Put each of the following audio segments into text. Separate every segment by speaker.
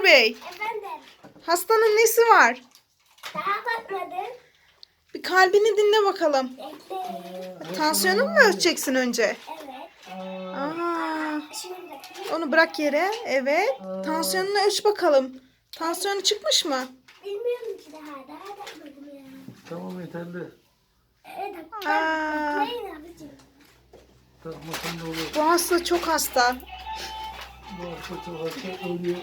Speaker 1: Bey.
Speaker 2: Efendim.
Speaker 1: Hastanın nesi var?
Speaker 2: Daha bakmadım.
Speaker 1: Bir kalbini dinle bakalım.
Speaker 2: Bekle.
Speaker 1: Tansiyonunu mu ölçeceksin önce?
Speaker 2: Evet.
Speaker 1: Aa,
Speaker 2: Şimdi bakayım.
Speaker 1: onu bırak yere. Evet. Tansiyonunu ölç bakalım. Tansiyonu çıkmış mı?
Speaker 2: Bilmiyorum ki daha bakmadım ya.
Speaker 3: Tamam yeterli.
Speaker 2: Evet.
Speaker 1: Aa.
Speaker 2: Bekleyin abicim.
Speaker 3: Takmasın da olur.
Speaker 1: Bu hasta çok hasta.
Speaker 3: Bu hasta çok hasta ölüyor.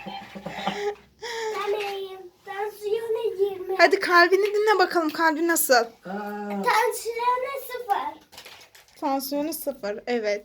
Speaker 2: Tanıyım. Tansiyonu 20.
Speaker 1: Hadi kalbini dinle bakalım. Kalbi nasıl?
Speaker 2: Tansiyonu 0.
Speaker 1: Tansiyonu 0. Evet.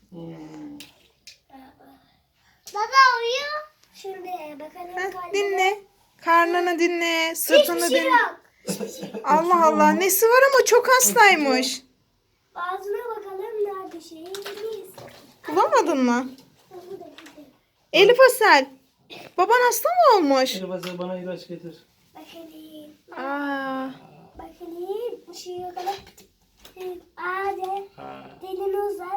Speaker 2: Baba uyuyor. Şimdi bakalım kalbine.
Speaker 1: Dinle. Karnını dinle. Sırtını
Speaker 2: Hiçbir şey
Speaker 1: dinle.
Speaker 2: yok. Hiçbir şey yok.
Speaker 1: Allah Allah. Nesi var ama çok hastaymış.
Speaker 2: Ağzına bakalım nerede şeyimiz.
Speaker 1: Bulamadın mı?
Speaker 2: Bu da gidelim.
Speaker 1: Elif Asel. Baban hasta mı olmuş?
Speaker 3: Elif Asel bana ilaç getir.
Speaker 2: Bakalım.
Speaker 1: Aa,
Speaker 2: Bakalım. Işığı bakalım. Hadi. Dilini uzat.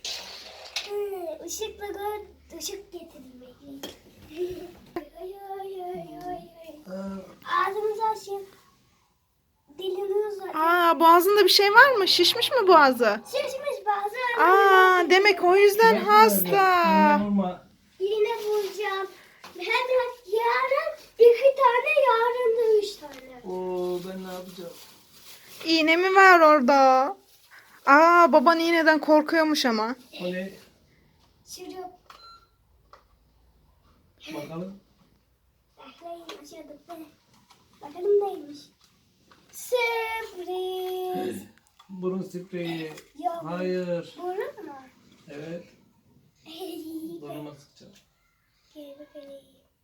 Speaker 2: Işıkla gör. Işık getirin bekleyin. Ağzınızı açın. Dilini uzat.
Speaker 1: boğazında bir şey var mı? Şişmiş mi boğazı?
Speaker 2: Şişmiş bazı.
Speaker 1: Demek o yüzden hasta.
Speaker 3: Vurma.
Speaker 2: Yine vuracağım. Hemen yarın 2 tane, yarın da 3 tane.
Speaker 3: Oo ben ne yapacağım?
Speaker 1: İğne mi var orada? Baban iğneden korkuyormuş ama.
Speaker 3: O ne?
Speaker 2: Şurup.
Speaker 3: Bakalım.
Speaker 2: Bekleyin aşağıda. Bakalım neymiş. Sürpriz.
Speaker 3: Burun spreyi.
Speaker 2: Yok.
Speaker 3: Hayır.
Speaker 2: Burun mu?
Speaker 3: Evet. Burnuma sıkacağım.
Speaker 2: Gel bakalım.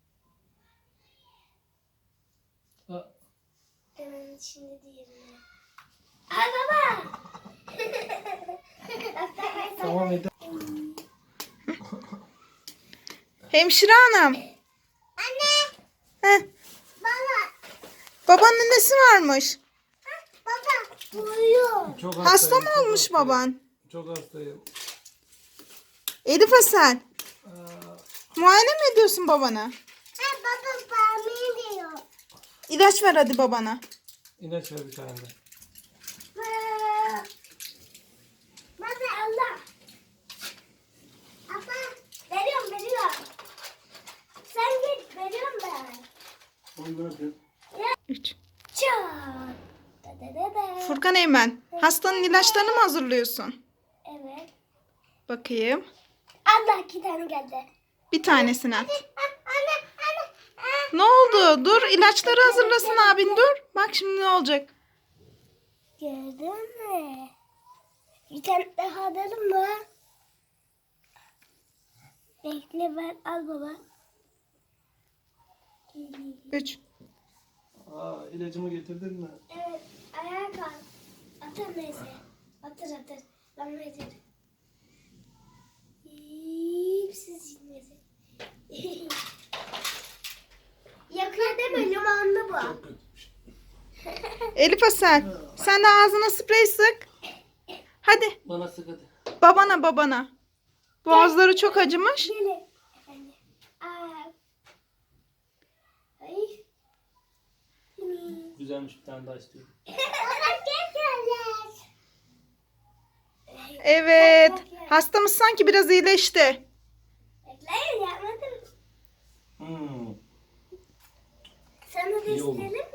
Speaker 3: Aa,
Speaker 2: Hemen şimdi diğerine. Ay baba.
Speaker 3: tamam yeter.
Speaker 1: Hemşire hanım.
Speaker 2: Anne.
Speaker 1: Heh,
Speaker 2: Baba.
Speaker 1: babanın nesi varmış?
Speaker 2: Baba. Uyuyor.
Speaker 3: Çok
Speaker 1: Hasta
Speaker 3: hastayım,
Speaker 1: mı
Speaker 3: çok
Speaker 1: olmuş
Speaker 3: hastayım.
Speaker 1: baban?
Speaker 3: Çok hastayım.
Speaker 1: Elif Asel.
Speaker 3: Aa,
Speaker 1: Muayene mi ediyorsun babana?
Speaker 2: Baba bana diyor.
Speaker 1: İlaç ver hadi babana.
Speaker 3: ilaç ver bir tane de.
Speaker 2: Baba Allah. Baba. Veriyorum. Sen git, veriyorum ben.
Speaker 3: Onu bırakın.
Speaker 1: 3.
Speaker 2: Çat. Da.
Speaker 1: Furkan Eymen. Hastanın ilaçlarını mı hazırlıyorsun?
Speaker 2: Evet.
Speaker 1: Bakayım.
Speaker 2: Allah 2 tane geldi.
Speaker 1: Bir tanesini at.
Speaker 2: Anne.
Speaker 1: Ne oldu? Dur ilaçları hazırlasın abin dur. Bak şimdi ne olacak?
Speaker 2: Gördün mü? Bir tane daha alalım mı? Bekle ben al baba.
Speaker 1: 3.
Speaker 3: İlacımı getirdin mi?
Speaker 2: Evet ayağa kalk. Atır neyse. Atır. Bana yeter. Siz inmesin. Yakıyor deme limonlu bu.
Speaker 3: Çok kötüymüş.
Speaker 1: Elif Asel. Sen de ağzına sprey sık. Hadi.
Speaker 3: Bana sık hadi.
Speaker 1: Babana. Boğazları çok acımış.
Speaker 2: Gelin. Efendim. Ay.
Speaker 3: Güzelmiş bir tane daha istiyorum.
Speaker 1: Evet. Hastamız sanki biraz iyileşti.
Speaker 2: Bekleyin yapmadım.
Speaker 3: Hmm.
Speaker 2: Sana da
Speaker 3: İyi oldu.
Speaker 2: isteyelim